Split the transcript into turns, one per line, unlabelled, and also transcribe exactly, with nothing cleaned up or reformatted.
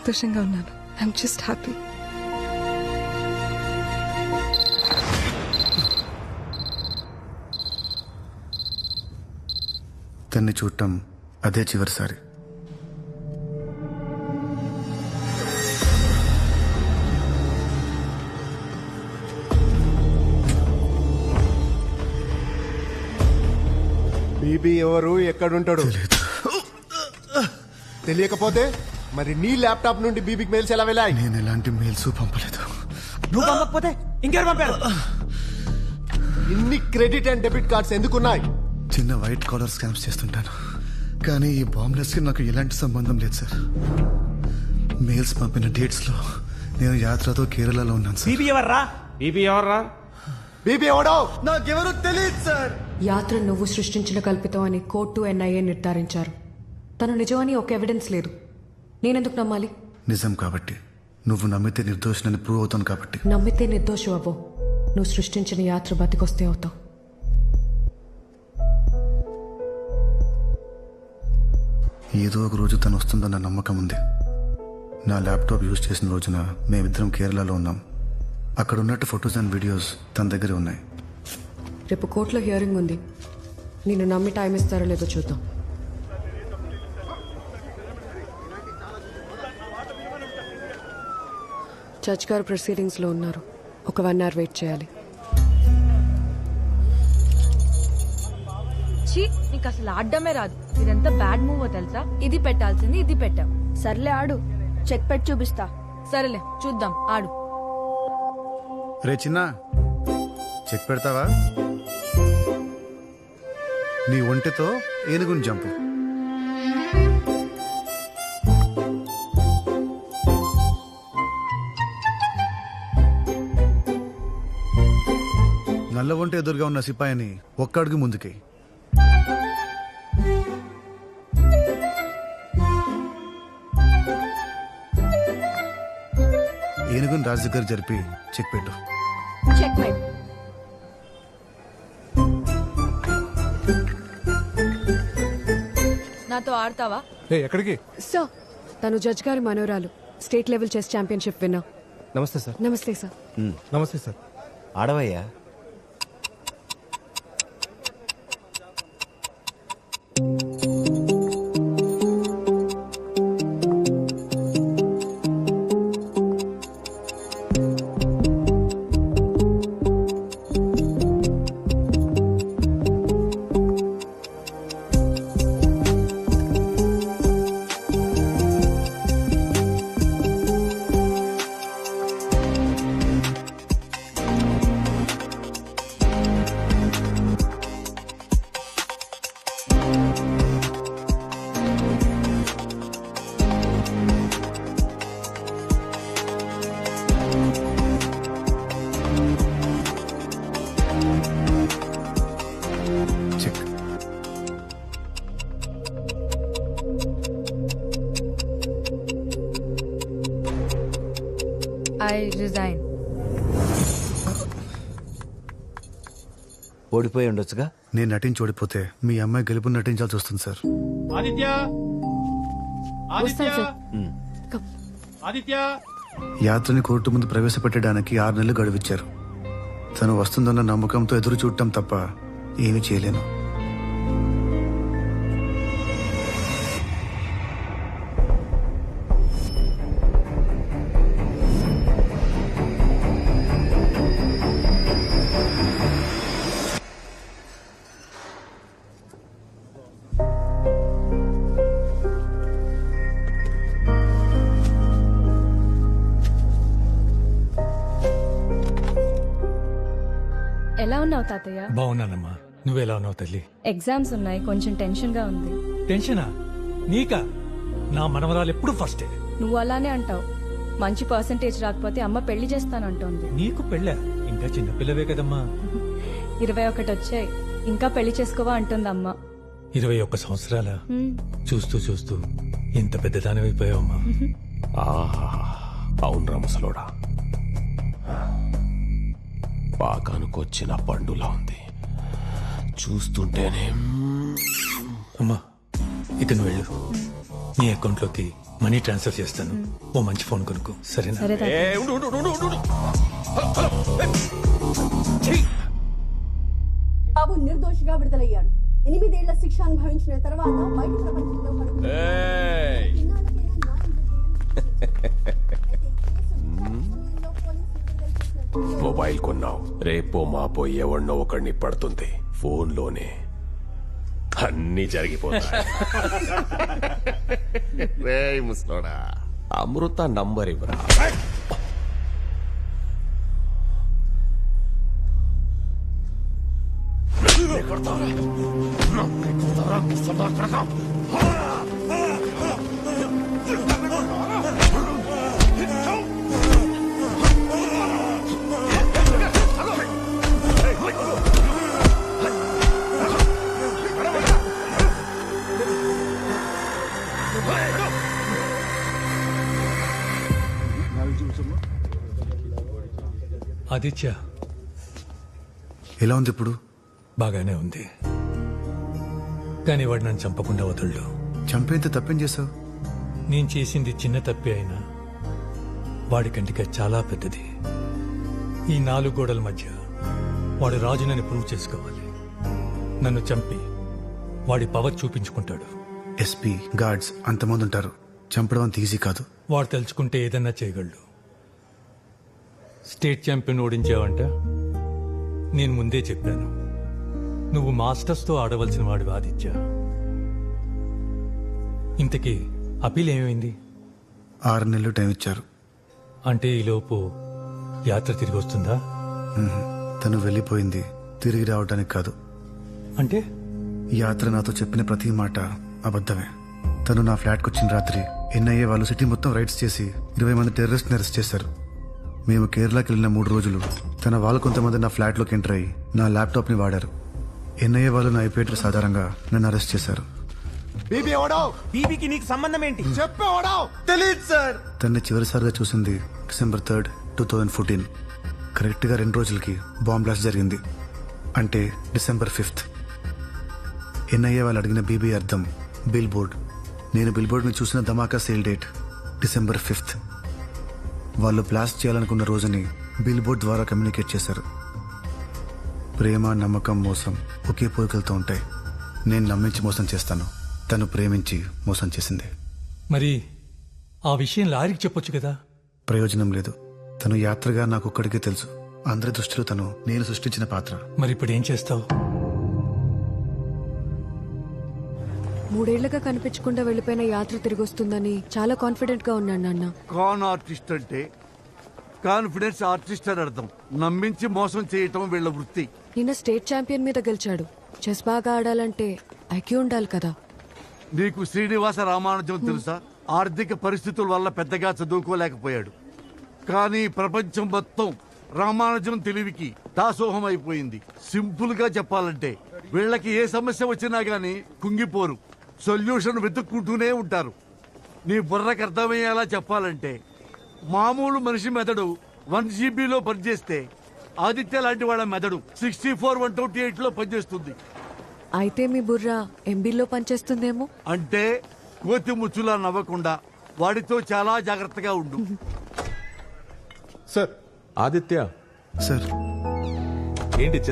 సంతోషంగా ఉన్నాను. I'm just happy.
తన్ని చూడటం అదే చివరిసారి.
బీబీ ఎవరు, ఎక్కడుంటాడు తెలియకపోతే మరి నీ ల్యాప్టాప్ నుండి బీబీకి మెయిల్స్ ఎలా వెళ్ళాయి?
నేను ఎలాంటి మెయిల్స్ పంపలేదు.
నువ్వు పంపకపోతే ఇంకెవరు పంపారు?
ఇన్ని క్రెడిట్ అండ్ డెబిట్ కార్డ్స్ ఎందుకున్నాయి?
చిన్న వైట్ కాలర్ స్కామ్స్ చేస్తుంటాను, కానీ ఈ బాంబ్లెస్ కి నాకు ఎలాంటి సంబంధం లేదు సార్. మెయిల్స్ పంపిన డేట్స్ లో నేను యాత్రతో కేరళలో ఉన్నాను సార్.
బీబీ ఎవర్రా?
బీబీ ఎవర్రా?
బీబీ ఎవడో
నాకెవరూ తెలియదు సార్.
యాత్ర నువ్వు సృష్టించిన కల్పితం అని కోర్టు ఎన్ఐఏ నిర్ధారించారు. తను నిజమని ఒక ఎవిడెన్స్ లేదు. నేనెందుకు నమ్మాలి?
నిజం కాబట్టి, నువ్వు నమ్మితే నిర్దోషినని ప్రూవ్ అవుతాను కాబట్టి.
నమ్మితే నిర్దోషు అవ్వవు. నువ్వు సృష్టించిన యాత్ర బతికొస్తే అవుతావు.
ఏదో ఒక రోజు తను వస్తుందన్న నమ్మకం ఉంది. నా ల్యాప్టాప్ యూజ్ చేసిన రోజున మేమిద్దరం కేరళలో ఉన్నాం. అక్కడ ఉన్నట్టు ఫొటోస్ అండ్ వీడియోస్ తన దగ్గరే ఉన్నాయి.
రేపు కోర్టులో హియరింగ్ ఉంది. నిన్ను నమ్మి టైం ఇస్తారో లేదో చూద్దాం. జడ్జ్ గారు ప్రొసీడింగ్స్ లో ఉన్నారు. ఒక వన్ అవర్ వెయిట్ చేయాలి.
ఛీ, నీకు అసలు ఆడడమే రాదు. ఇదంతా బ్యాడ్ మూవ్ తెలుసా? ఇది పెట్టాల్సింది ఇది పెట్టావు.
సర్లే ఆడు, చెక్ పెట్టి చూపిస్తా.
సరేలే చూద్దాం, ఆడు.
రే చిన్న, చెక్ పెడతావా? నీ ఒంటితో ఏనుగుని జంపు. నల్ల ఒంటి ఎదురుగా ఉన్న సిపాయిని ఒక్క అడుగు ముందుకి. ఏనుగుని రాజు దగ్గర జరిపి చెక్ పెట్టు.
Checkmate.
నాతో ఆడతావా?
ఎక్కడికి?
సార్, తను జడ్జ్ గారి మనోరాలు, state level chess championship winner.
నమస్తే సార్.
నమస్తే సార్.
నమస్తే సార్.
ఆడవయ్యా.
చెక్.
I resign.
ఓడిపోయి ఉండొచ్చుగా.
నేను నటించి ఓడిపోతే మీ అమ్మాయి గెలుపు నటించాల్సి వస్తుంది సార్.
ఆదిత్య,
వస్తాను సార్. కమ్.
ఆదిత్య.
యాత్రని కోర్టు ముందు ప్రవేశపెట్టడానికి ఆరు నెలలు గడువిచ్చారు. తను వస్తుందన్న నమ్మకంతో ఎదురు చూడటం తప్ప ఏమీ చేయలేను.
ఎలా ఉన్నావు తాతయ్య?
బాగున్నానమ్మా, నువ్వెలా ఉన్నావు తల్లి?
ఎగ్జామ్స్ ఉన్నాయి, కొంచెం టెన్షన్ గా ఉంది.
టెన్షనా? నీకా? నా మనవరాలు ఎప్పుడు ఫస్టే.
నువ్వు అలానే అంటావు. మంచి పర్సంటేజ్ రాకపోతే అమ్మ పెళ్లి చేస్తానంటోంది.
నీకు పెళ్ళా? ఇంకా చిన్నపిల్లవే కదమ్మా.
ఇరవై ఒకటి వచ్చాయి, ఇంకా పెళ్లి చేసుకోవా అంటుంది అమ్మ.
ఇరవై ఒక్క సంవత్సరాల
హ్మ్.
చూస్తూ చూస్తూ ఇంత పెద్దదానివైపోయావమ్మా.
అవును రామసలోడా, పాకానుకొచ్చిన పండులా ఉంది చూస్తుంటేనే.
అమ్మా, ఇక నువ్వు వెళ్ళు. నీ అకౌంట్లోకి మనీ ట్రాన్స్ఫర్ చేస్తాను. ఓ మంచి ఫోన్ కొనుక్కో, సరేనా?
సరే తాతయ్య.
ఏ, ఉండు, ఉండు, ఉండు, ఉండు, ఉండు. Hello, hello. ఏ,
బాబు నిర్దోషిగా విడుదలయ్యాడు. ఎనిమిదేళ్ల శిక్ష అనుభవించిన తర్వాత బయట ప్రపంచంలో పడుకున్న
ఏయ్.
ఇన్నాళ్ళకైనా న్యాయం జరిగిందని అయితే ఈ కేసు సమయంలో పోలీసులు విడుదల చేసిన
మొబైల్ కొన్నావు, రేపో మాపో ఎవడినో ఒకడిని పడుతుంది. ఫోన్లోనే అన్ని జరిగిపోతాయి. రేయ్ ముసలోడా, అమృత నంబర్ ఇవ్వరా.
ఆదిత్య
ఎలా ఉంది ఇప్పుడు?
బాగానే ఉంది, కానీ వాడు నన్ను చంపకుండా వదలడు.
చంపేంత తప్పేం చేసావు?
నేను చేసింది చిన్న తప్పే అయినా వాడి కంటికి చాలా పెద్దది. ఈ నాలుగు గోడల మధ్య వాడు రాజునని ప్రూవ్ చేసుకోవాలి. నన్ను చంపి వాడి పవర్ చూపించుకుంటాడు.
ఎస్పీ గార్డ్స్ అంతమంది ఉంటారు, చంపడం అంత ఈజీ కాదు.
వాడు తలుచుకుంటే ఏదన్నా చేయగలడు. స్టేట్ ఛాంపియన్ ఓడించావంట. నేను ముందే చెప్పాను, నువ్వు మాస్టర్స్తో ఆడవలసిన వాడు ఆదిత్య. ఇంతకీ అపీల్ ఏమైంది?
ఆరు నెలలు టైం ఇచ్చారు.
అంటే ఈలోపు యాత్ర తిరిగి వస్తుందా?
మ్మ్. తను వెళ్ళిపోయింది తిరిగి రావడానికి కాదు.
అంటే
యాత్ర నాతో చెప్పిన ప్రతి మాట అబద్ధమే. తను నా ఫ్లాట్కి వచ్చిన రాత్రి ఎన్ఐఏ వాళ్ళు సిటీ మొత్తం రైడ్స్ చేసి ఇరవై మంది టెర్రరిస్ట్ని అరెస్ట్ చేశారు. మేము కేరళకి వెళ్ళిన మూడు రోజులు తన వాళ్ళు కొంతమంది నా ఫ్లాట్లోకి ఎంటర్ అయ్యి నా ల్యాప్టాప్ని వాడారు. ఎన్ఐఏ వాళ్ళు నా ఐపీ అడ్రస్ ఆధారంగా నన్ను అరెస్ట్ చేశారు.
బీబీ ఎవడో
బీబీకి నీకు సంబంధం ఏంటి?
చెప్పే ఎవడో
తెలియదు సార్.
తన్ని చివరిసారిగా చూసింది December third two thousand fourteen కరెక్ట్గా రెండు రోజులకి బాంబ్ బ్లాస్ట్ జరిగింది. అంటే డిసెంబర్ ఫిఫ్త్. ఎన్ఐఏ వాళ్ళు అడిగిన బీబీ అర్థం బిల్ బోర్డ్. నేను బిల్ బోర్డ్ని చూసిన ధమాకా సేల్ డేట్ డిసెంబర్ ఫిఫ్త్. వాళ్ళు బ్లాస్ట్ చేయాలనుకున్న రోజుని బిల్ బోర్డ్ ద్వారా కమ్యూనికేట్ చేశారు. ప్రేమ, నమ్మకం, మోసం ఒకే పోలికలతో ఉంటాయి. నేను నమ్మించి మోసం చేస్తాను, తను ప్రేమించి మోసం చేసింది.
మరి ఆ విషయం లారీకి చెప్పొచ్చు కదా?
ప్రయోజనం లేదు. తను యాత్రగా నాకు ఒక్కడికే తెలుసు. అందరి దృష్టిలో తను నేను సృష్టించిన పాత్ర.
మరి ఇప్పుడు ఏం చేస్తావు?
మూడేళ్లుగా కనిపించకుండా వెళ్లిపోయిన యాత్ర తిరిగి వస్తుందని చాలా కాన్ఫిడెంట్ గా ఉన్నాను నాన్న.
కాన్ ఆర్టిస్ట్ అంటే కాన్ఫిడెన్స్ ఆర్టిస్ట్ అని అర్థం. నమ్మించి మోసం చేయటం వీళ్ళ వృత్తి.
నిన్న స్టేట్ ఛాంపియన్ మీద గెలిచాడు. చెస్ బాగా ఆడాలంటే ఐక్యూ ఉండాలి కదా.
నీకు శ్రీనివాస రామానుజం తెలుసా? ఆర్థిక పరిస్థితుల వల్ల పెద్దగా చదువుకోలేకపోయాడు, కానీ ప్రపంచం మొత్తం రామానుజం తెలివికి దాసోహం అయిపోయింది. సింపుల్ గా చెప్పాలంటే వీళ్ళకి ఏ సమస్య వచ్చినా గానీ కుంగిపోరు, సొల్యూషన్ వెతుక్కుంటూనే ఉంటారు. నీ బుర్రకు అర్థమయ్యేలా చెప్పాలంటే మామూలు మనిషి మెదడు వన్ జీబీలో పనిచేస్తే ఆదిత్య లాంటి వాళ్ళ మెదడు sixty four one twenty eight లో పనిచేస్తుంది.
అయితే మీ బుర్ర ఎంబీలో పనిచేస్తుందేమో.
అంటే కోతి ముచ్చులా నవ్వకుండా వాడితో చాలా జాగ్రత్తగా ఉండు.
సార్ ఆదిత్య
సార్
ఏంటి